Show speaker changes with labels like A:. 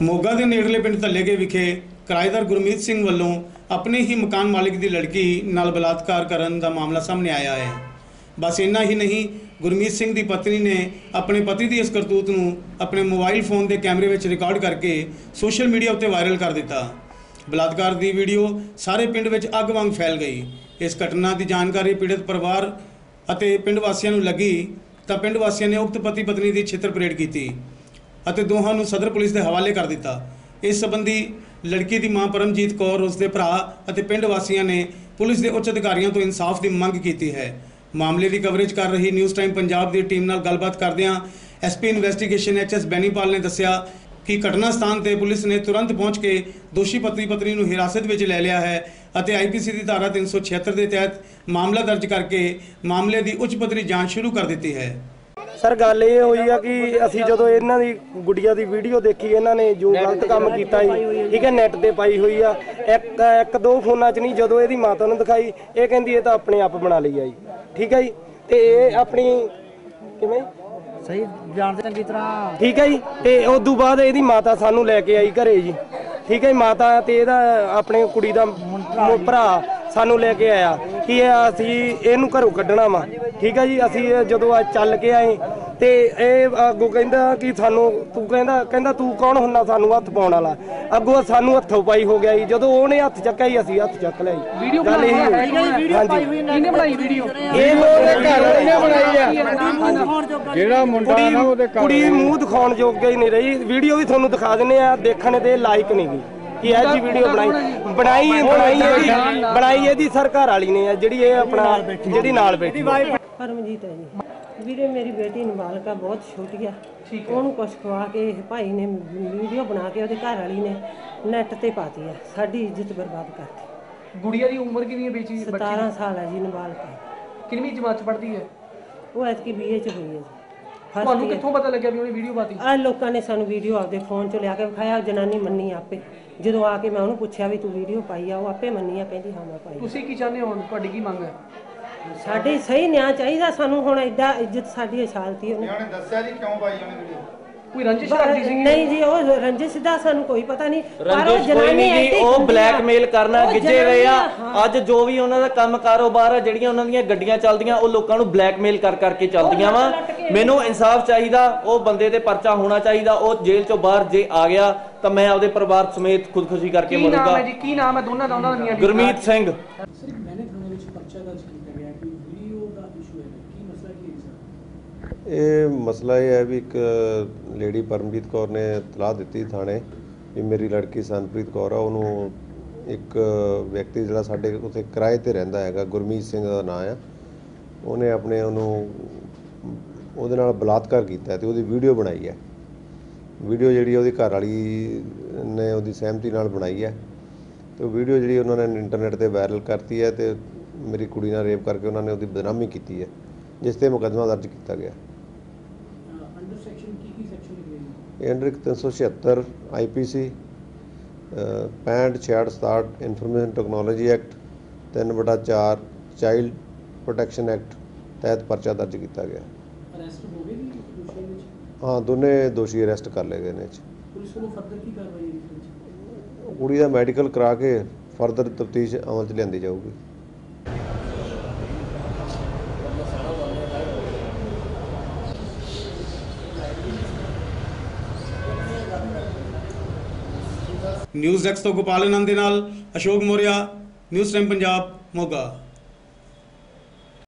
A: मोगा के नेड़ले पिंड धल्लेके विखे किराएदार गुरमीत सिंह वालों अपने ही मकान मालिक की लड़की नाल बलात्कार करने का मामला सामने आया है। बस इन्ना ही नहीं, गुरमीत सिंह की पत्नी ने अपने पति की इस करतूत नूं अपने मोबाइल फोन के कैमरे में रिकॉर्ड करके सोशल मीडिया उत्ते वायरल कर दिता। बलात्कार की वीडियो सारे पिंड में अग वांग फैल गई। इस घटना की जानकारी पीड़ित परिवार और पिंड वासियों नूं लगी तो पिंड वासियों ने उक्त पति पत्नी की छित्र परेड की ਅਤੇ ਦੋਹਾਂ ਨੂੰ सदर पुलिस के हवाले कर दिता। इस संबंधी लड़की की मां परमजीत कौर, उसके भरा और पिंड वासियों ने पुलिस के उच्च अधिकारियों तो इंसाफ की मंग की है। मामले की कवरेज कर रही न्यूज़ टाइम पंजाब की टीम नाल गलबात करदियां SP इन्वेस्टिगेशन HS बैनीपाल ने दस्सिया कि घटना स्थान पर पुलिस ने तुरंत पहुँच के दोषी पति पत्नी को हिरासत में ले लिया है और IPC की धारा 376 के तहत मामला दर्ज करके मामले की उच्च पद्धरी जाँच शुरू कर दी है।
B: सर गल ये हुई है कि असी जो इन्हों की गुड़िया की वीडियो देखी, इन्होंने जो गलत काम किया ठीक है नैट पर पाई हुई है। एक दो फोना च नहीं, जो ये माता ने दिखाई ये कहती है तो अपने आप बना ली है जी, ठीक है जी। तो ये अपनी किवें
C: सही जानते चंगी तरह
B: ठीक है जी। तो उदू बाद ये माता सानू लैके आई घरे जी, ठीक है। माता तो यदा अपने कुड़ी का भरा सानू लैके आया कि असी इनू घरों कढ़ना वा, ठीक है जी। असी जो चल के आए तो अगों कहता कि सानू तू कहता तू कौन हुन्ना सानू हथ पाउण वाला, अगों सानू हथों पाई हो गया जी। जो उन्हें हथ चक्या ही असी हथ चक लिया। कुड़ी मूँह दिखाने जोगे ही नहीं रही। वीडियो भी थोनू दिखा देने देखने के लायक नहीं गई कि यह जी वीडियो बनाई ये सरकार वाली ने जी अपना जी नाल बैठी
D: परमजीत है जी। वीरे मेरी बेटी नाबालिगा बहुत छोटी है, उन्होंने कुछ खवा के भाई ने वीडियो बना के उसके घर वाली ने नैट ते पाती है, साड़ी इज्जत बर्बाद करती।
C: गुड़िया की उम्र कितनी है बेची?
D: 17 साल है जी। नाबालिगा
C: कितनी जमात च पढ़ती है?
D: वो ऐतकी BA च हुई है जी।
C: ਤੁਹਾਨੂੰ ਕਿੱਥੋਂ ਪਤਾ ਲੱਗਿਆ ਵੀ ਉਹਨੇ ਵੀਡੀਓ ਪਾਤੀ?
D: ਆ ਲੋਕਾਂ ਨੇ ਸਾਨੂੰ ਵੀਡੀਓ ਆਪਦੇ ਫੋਨ 'ਚ ਲਿਆ ਕੇ ਵਿਖਾਇਆ। ਜਨਾਨੀ ਮੰਨੀ ਆਪੇ, ਜਦੋਂ ਆ ਕੇ ਮੈਂ ਉਹਨੂੰ ਪੁੱਛਿਆ ਵੀ ਤੂੰ ਵੀਡੀਓ ਪਾਈ ਆ, ਉਹ ਆਪੇ ਮੰਨੀ ਆ, ਕਹਿੰਦੀ ਹਾਂ ਮੈਂ ਪਾਈ।
C: ਤੁਸੀਂ ਕੀ ਚਾਹੁੰਦੇ ਹੋ? ਤੁਹਾਡੀ ਕੀ ਮੰਗ ਹੈ?
D: ਸਾਡੇ ਸਹੀ ਨਿਆਂ ਚਾਹੀਦਾ ਸਾਨੂੰ। ਹੁਣ ਐਡਾ ਇੱਜ਼ਤ ਸਾਡੀ ਅਛਾਲਤੀ ਉਹਨੇ
E: ਦੱਸਿਆ ਜੀ ਕਿਉਂ ਪਾਈ ਉਹਨੇ ਵੀਡੀਓ?
C: कोई रंजिश करती सी?
D: नहीं जी, वो रंजिश दा सानू कोई पता नहीं। रंजिश कोई नहीं जी,
B: वो ब्लैकमेल करना गिजे रहे आ। अज जो भी उन्हां दा काम कारोबार है, ਜਿਹੜੀਆਂ ਉਹਨਾਂ ਦੀਆਂ ਗੱਡੀਆਂ ਚੱਲਦੀਆਂ ਉਹ ਲੋਕਾਂ ਨੂੰ ਬਲੈਕਮੇਲ ਕਰ ਕਰਕੇ ਚੱਲਦੀਆਂ ਵਾ। ਮੈਨੂੰ ਇਨਸਾਫ ਚਾਹੀਦਾ, ਉਹ ਬੰਦੇ ਤੇ ਪਰਚਾ ਹੋਣਾ ਚਾਹੀਦਾ। ਉਹ ਜੇਲ੍ਹ ਚੋਂ ਬਾਹਰ ਜੇ ਆ ਗਿਆ ਤਾਂ ਮੈਂ ਆਪਦੇ ਪਰਿਵਾਰ ਸਮੇਤ ਖੁਦਕੁਸ਼ੀ ਕਰਕੇ ਮਰੂੰਗਾ।
C: ਕੀ ਨਾਮ ਹੈ ਜੀ? ਕੀ ਨਾਮ ਹੈ ਦੋਨਾਂ ਦਾ? ਉਹਨਾਂ ਦੀਆਂ
B: ਗੁਰਮੀਤ ਸਿੰਘ।
F: ਸਰ ਮੈਨੇ ਥਾਣੇ ਵਿੱਚ ਪਰਚਾ ਦਰਜ ਕੀਤਾ ਗਿਆ ਕਿ ਵੀਡੀਓ ਦਾ ਇਸ਼ੂ ਹੈ, ਕੀ ਮਸਲਾ ਕੀ ਹੈ ਸਰ?
G: ਇਹ ਮਸਲਾ ਇਹ ਹੈ ਵੀ ਇੱਕ ਲੇਡੀ ਪਰਮਜੀਤ ਕੌਰ ਨੇ ਇਤਲਾਹ ਦਿੱਤੀ ਥਾਣੇ ਵੀ ਮੇਰੀ ਲੜਕੀ ਸੰਪ੍ਰੀਤ ਕੌਰ ਆ, ਉਹਨੂੰ ਇੱਕ ਵਿਅਕਤੀ ਜਿਹੜਾ ਸਾਡੇ ਉੱਥੇ ਕਿਰਾਏ 'ਤੇ ਰਹਿੰਦਾ ਹੈਗਾ, ਗੁਰਮੀਤ ਸਿੰਘ ਦਾ ਨਾਂ ਆ, ਉਹਨੇ ਆਪਣੇ ਉਹਦੇ ਨਾਲ ਬਲਾਤਕਾਰ ਕੀਤਾ ਅਤੇ ਉਹਦੀ ਵੀਡੀਓ ਬਣਾਈ ਹੈ। ਵੀਡੀਓ ਜਿਹੜੀ ਉਹਦੀ ਘਰ ਵਾਲੀ ਨੇ ਉਹਦੀ ਸਹਿਮਤੀ ਨਾਲ ਬਣਾਈ ਹੈ ਅਤੇ ਉਹ ਵੀਡੀਓ ਜਿਹੜੀ ਉਹਨਾਂ ਨੇ ਇੰਟਰਨੈਟ 'ਤੇ ਵਾਇਰਲ ਕਰਤੀ ਹੈ ਅਤੇ ਮੇਰੀ ਕੁੜੀ ਨਾਲ ਰੇਪ ਕਰਕੇ ਉਹਨਾਂ ਨੇ ਉਹਦੀ ਬਦਨਾਮੀ ਕੀਤੀ ਹੈ, ਜਿਸ 'ਤੇ ਮੁਕੱਦਮਾ ਦਰਜ ਕੀਤਾ ਗਿਆ। Under 376 IPC 65 66 67 information technology act 3/4 child protection act तहत परचा दर्ज किया गया। हाँ, दोनों दोषी अरेस्ट कर ले गए ने। कुड़ी का मैडिकल करा के फर्दर तफ्तीश अमल च लियांदी जाऊगी।
A: न्यूज़ डेस्क तो गोपाल आनंद के नाल अशोक मौर्या, न्यूज़ टाइम पंजाब, मोगा।